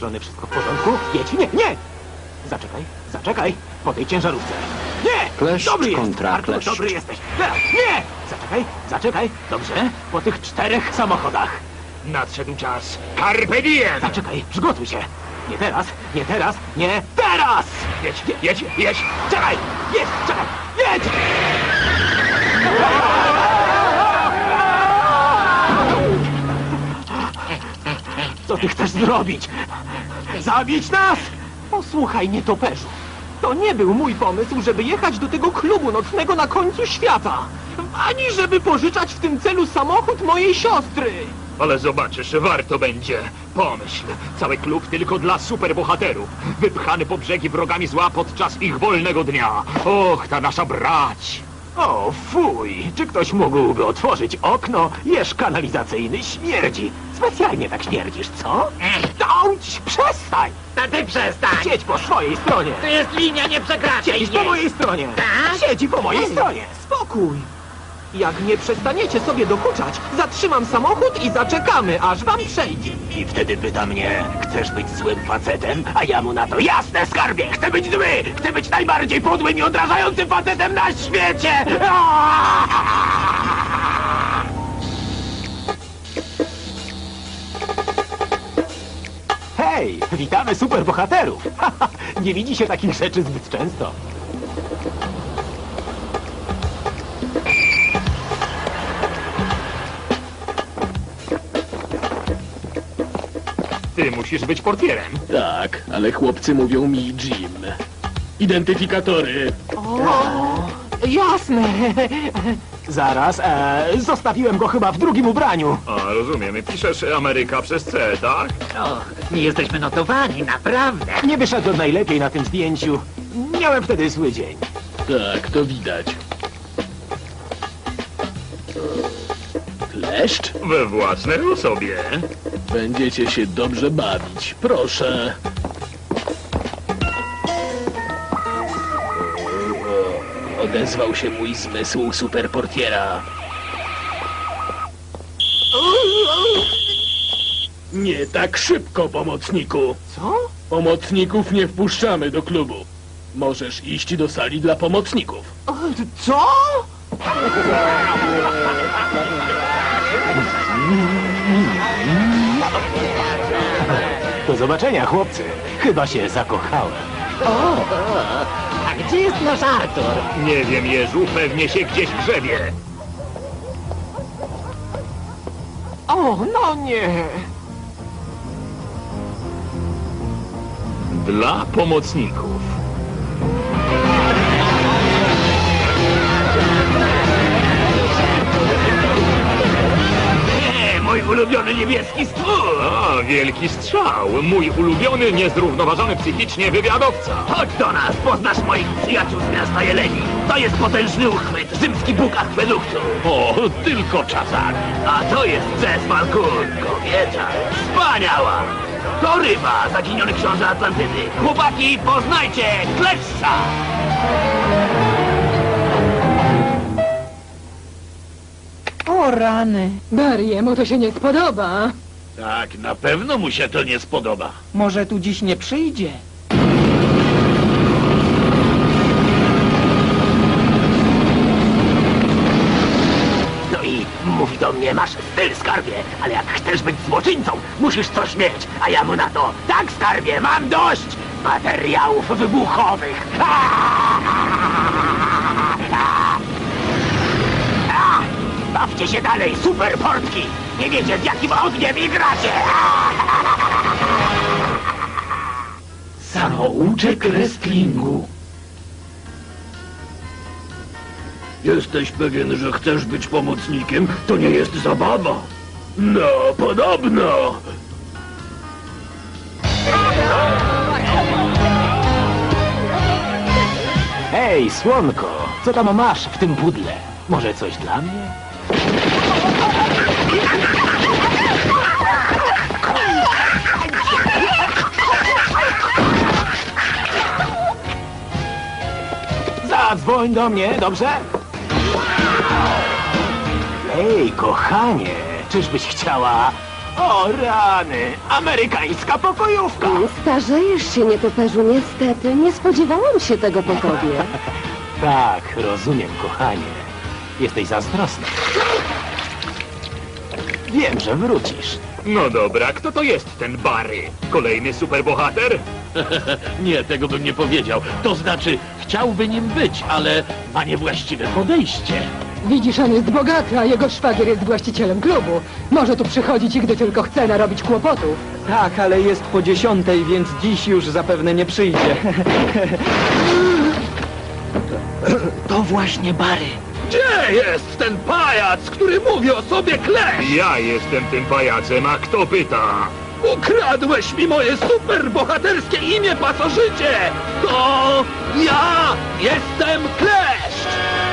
strony wszystko w porządku? Jedź, nie! Zaczekaj, zaczekaj, po tej ciężarówce. Nie! Kleszcz Dobry jest, kontra Artur, kleszcz. dobry jesteś. Teraz, nie! Zaczekaj, dobrze, po tych 4 samochodach. Nadszedł czas. Carpe diem! Zaczekaj, przygotuj się. Nie teraz, nie teraz, nie teraz! Jedź! Czekaj, jedź! Co ty chcesz zrobić? Zabić nas? Posłuchaj, nietoperzu. To nie był mój pomysł, żeby jechać do tego klubu nocnego na końcu świata. Ani żeby pożyczać w tym celu samochód mojej siostry. Ale zobaczysz, warto będzie. Pomyśl, cały klub tylko dla superbohaterów. Wypchany po brzegi wrogami zła podczas ich wolnego dnia. Och, ta nasza brać! O, fuj! Czy ktoś mógłby otworzyć okno? Jeż kanalizacyjny śmierdzi. Specjalnie tak śmierdzisz, co? Dąć! Przestań! To ty przestań! Siedź po swojej stronie! To jest linia, nie przekraczaj Siedź po jej. mojej stronie! Tak? Siedzi po mojej stronie! Spokój! Jak nie przestaniecie sobie dokuczać, zatrzymam samochód i zaczekamy, aż wam przejdzie. I wtedy pyta mnie, chcesz być złym facetem? A ja mu na to, jasne skarbie, chcę być zły! Chcę być najbardziej podłym i odrażającym facetem na świecie! Hej, witamy superbohaterów! Nie widzi się takich rzeczy zbyt często. Ty musisz być portierem. Tak, ale chłopcy mówią mi Jim. Identyfikatory. Jasne. Zaraz, zostawiłem go chyba w drugim ubraniu. A, rozumiem. Piszesz Ameryka przez C, tak? O, nie jesteśmy notowani, naprawdę. Nie wyszedłem najlepiej na tym zdjęciu. Miałem wtedy zły dzień. Tak, to widać. Kleszcz? We własnej osobie. Będziecie się dobrze bawić. Proszę. Odezwał się mój zmysł superportiera. Nie tak szybko, pomocniku. Co? Pomocników nie wpuszczamy do klubu. Możesz iść do sali dla pomocników. Co? Do zobaczenia, chłopcy. Chyba się zakochałem. A gdzie jest nasz Artur? Nie wiem, Jezu, pewnie się gdzieś grzebie. O, no nie. Dla pomocników. Mój ulubiony niebieski stwór! A, wielki strzał. Mój ulubiony, niezrównoważony psychicznie wywiadowca. Chodź do nas, poznasz moich przyjaciół z miasta Jeleni. To jest potężny uchwyt, rzymski bóg akweduktu. O, tylko czasami. A to jest Ces Falcon, kobieta. Wspaniała! To ryba, zaginiony książę Atlantydy. Chłopaki, poznajcie Kleszcza! O rany, Barry'emu to się nie spodoba. Tak, na pewno mu się to nie spodoba. Może tu dziś nie przyjdzie. No i mówi do mnie, masz styl, skarbie, ale jak chcesz być złoczyńcą, musisz coś mieć. A ja mu na to, tak, skarbie, mam dość materiałów wybuchowych. Bawcie się dalej, super portki! Nie wiecie, z jakim ogniem igracie! Samouczek wrestlingu. Jesteś pewien, że chcesz być pomocnikiem? To nie jest zabawa. No, podobno. Hej, słonko, co tam masz w tym pudle? Może coś dla mnie? Zadzwoń do mnie, dobrze? Hej, kochanie, czyżbyś chciała O rany, amerykańska pokojówka. Starzejesz się, nietoperzu, niestety. Nie spodziewałam się tego po tobie. Tak, rozumiem, kochanie. Jesteś zazdrosna. Wiem, że wrócisz. No dobra, kto to jest ten Barry? Kolejny superbohater? Nie, tego bym nie powiedział. To znaczy, chciałby nim być, ale ma niewłaściwe podejście. Widzisz, on jest bogaty, a jego szwagier jest właścicielem klubu. Może tu przychodzić i gdy tylko chce narobić kłopotów. Tak, ale jest po 10, więc dziś już zapewne nie przyjdzie. To właśnie Barry. Gdzie jest ten pajac, który mówi o sobie Clash? Ja jestem tym pajacem, a kto pyta? Ukradłeś mi moje superbohaterskie imię, pasożycie! To ja jestem Clash!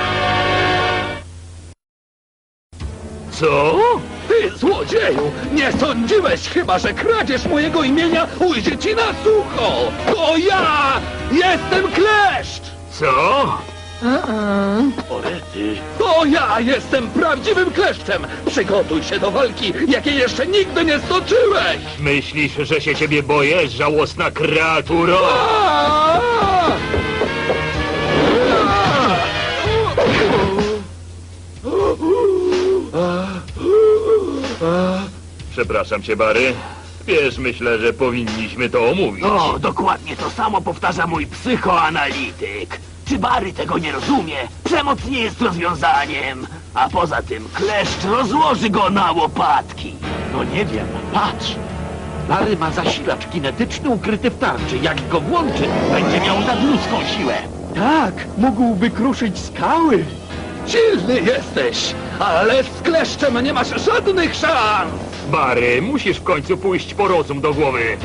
Co? Ty, złodzieju! Nie sądziłeś chyba, że kradzież mojego imienia ujdzie ci na sucho! To ja jestem Kleszcz! Co? Orety. To ja jestem prawdziwym kleszczem! Przygotuj się do walki, jakiej jeszcze nigdy nie stoczyłeś! Myślisz, że się ciebie boję, żałosna kreaturo? Przepraszam cię, Barry. Wiesz, myślę, że powinniśmy to omówić. O, dokładnie to samo powtarza mój psychoanalityk. Czy Barry tego nie rozumie? Przemoc nie jest rozwiązaniem. A poza tym kleszcz rozłoży go na łopatki. No nie wiem, patrz. Barry ma zasilacz kinetyczny ukryty w tarczy. Jak go włączy, będzie miał nadludzką siłę. Tak, mógłby kruszyć skały. Silny jesteś, ale z kleszczem nie masz żadnych szans! Barry, musisz w końcu pójść po rozum do głowy.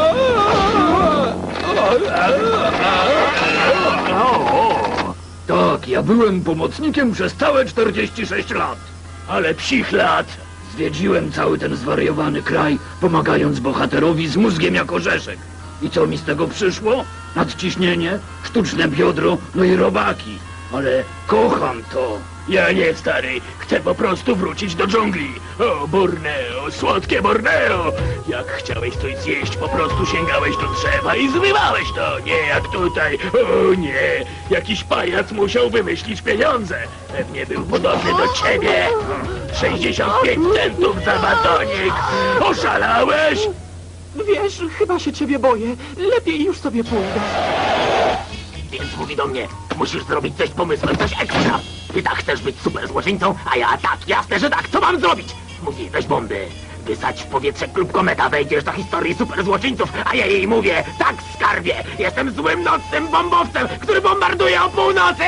Tak, ja byłem pomocnikiem przez całe 46 lat. Ale psich lat zwiedziłem cały ten zwariowany kraj, pomagając bohaterowi z mózgiem jak orzeszek. I co mi z tego przyszło? Nadciśnienie, sztuczne biodro, no i robaki. Ale kocham to. Ja nie, stary. Chcę po prostu wrócić do dżungli. O, Borneo, słodkie Borneo. Jak chciałeś coś zjeść, po prostu sięgałeś do drzewa i zrywałeś to. Nie jak tutaj. O nie, jakiś pajac musiał wymyślić pieniądze. Pewnie był podobny do ciebie. 65 centów za batonik. Oszalałeś? Wiesz, chyba się ciebie boję. Lepiej już sobie pójdę. Więc mówi do mnie, musisz zrobić coś z pomysłem, coś ekstra. Ty tak chcesz być super złoczyńcą, a ja tak, jasne, że tak. Co mam zrobić? Mówi, weź bomby. Wysadź w powietrze klub Kometa, wejdziesz do historii super złoczyńców, a ja jej mówię, tak skarbie, jestem złym nocnym bombowcem, który bombarduje o północy.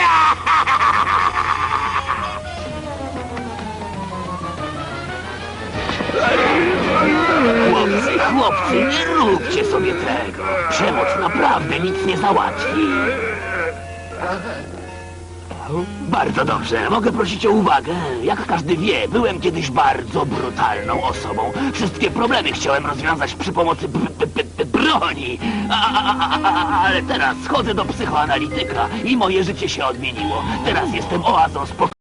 Chłopcy, nie róbcie sobie tego. Przemoc naprawdę nic nie załatwi. Bardzo dobrze, mogę prosić o uwagę. Jak każdy wie, byłem kiedyś bardzo brutalną osobą. Wszystkie problemy chciałem rozwiązać przy pomocy broni. Ale teraz chodzę do psychoanalityka i moje życie się odmieniło. Teraz jestem oazą spokoju.